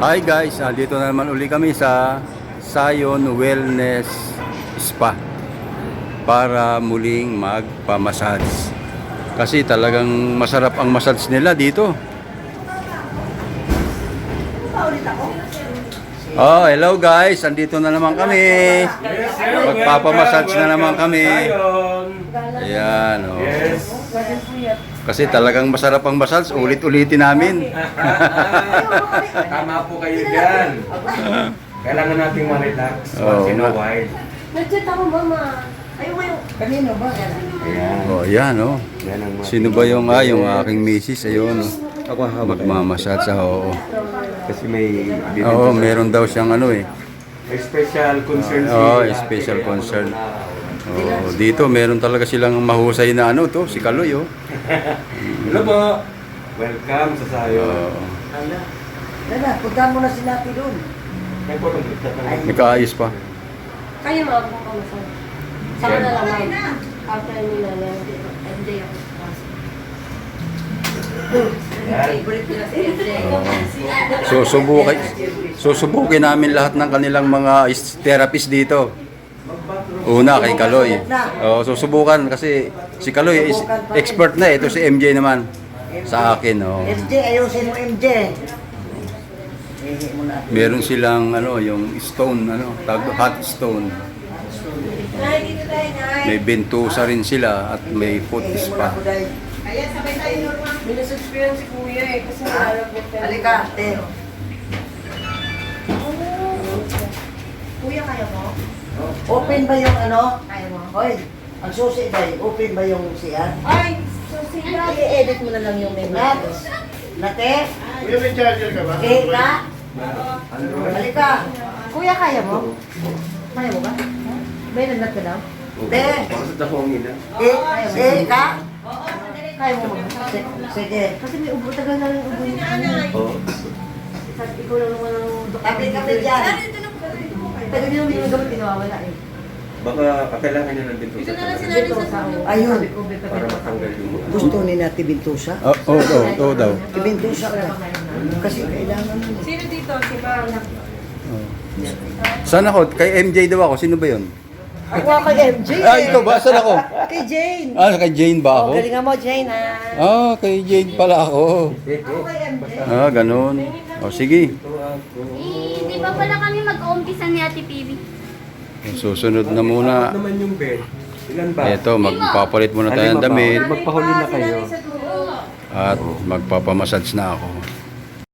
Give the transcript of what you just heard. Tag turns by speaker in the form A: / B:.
A: Hi guys, dito na naman uli kami sa Zion Wellness Spa para muling magpamassage. Kasi talagang masarap ang massage nila dito. Oh, hello guys, andito na naman kami. Magpapamassage na naman kami. Ayan, oh. Kasi talagang masarap ang massage, ulit-ulitin namin.
B: Tama po kayo dyan. Kailangan nating ma-relax once in a while.
C: Nag-chat ako, mama. Ayaw mo yung... Kanino ba?
B: Ayan.
A: Oh, ayan, oh.
B: Yan ang
A: Sino ba yung aking misis? Ayun,
B: Ako
A: magmamassage, oo.
B: Kasi may...
A: Oo, meron daw siyang ano eh.
B: May special concern
A: Oo, special concern. Oh, dito meron talaga silang mahusay na ano to, si Kaloy, oh.
B: Hello po. Welcome sa Sayo.
C: Dala, punta mo na si Nati doon.
B: May po lang dito.
A: Nakaayos pa.
C: Kayo mga kung kamasal. Saka na lang, ma'am. After nila lang, MJ ako. Favorite ko na si MJ.
A: Susubukin namin lahat ng kanilang mga therapist dito. Una kay Kaloy. Oh, susubukan kasi si Kaloy is expert na, ito si MJ naman sa akin, oh.
C: MJ, ayusin mo MJ.
A: Meron silang ano, yung stone, ano, tawag hot stone. May bentusa rin sila at may foot spa.
C: Kaya sabay tayo normal. Minus-experience si Kuya eh. Kasi nalagyan tayo. Halika, te. Kuya, kaya mo?
D: Open ba yung ano?
C: Kaya mo?
D: Hoy, ang susi ba open ba yung siya?
C: Ay, so siya. I-edit mo na lang yung menu.
D: Nate?
E: Kuya, may charger ka ba?
D: Keka? Halika.
C: Kuya, kaya mo? Kaya mo ba? May nagnat ka daw?
D: Te?
B: Bakit ako ang ina?
D: Keka?
C: Kaya mo mag
D: Sige.
C: Kasi may ubo, tagal na rin ubo niya.
B: Oo.
C: Ikaw lang naman ang doktor.
D: Kape dyan.
C: Tagal niya naman yung gamot, pinawawala eh.
B: Baka kailangan niya ng dito sa
C: Dito sa
D: Ayun.
B: para matanggal yung...
D: Gusto ni Nati Bintusa?
A: Oo daw.
D: Bintusa ka. Kasi kailangan mo.
C: Sino dito? Si Bang.
A: Saan ako? Kay MJ daw ako. Sino ba yun?
C: Ako kay MJ.
A: Ito ba? Saan ako?
C: Kay Jane.
A: Kay Jane ba ako?
C: Galingan mo, Jane, ha?
A: Kay Jane pala ako. Ganun. Sige.
F: Hindi pa pala kami mag-uumpisa ni Ate PB.
A: Susunod na muna.
B: naman yung bed? Ilan ba?
A: Ito, magpapalit muna tayo ng damit
B: Magpahuli na kayo.
A: at magpapamassage na ako.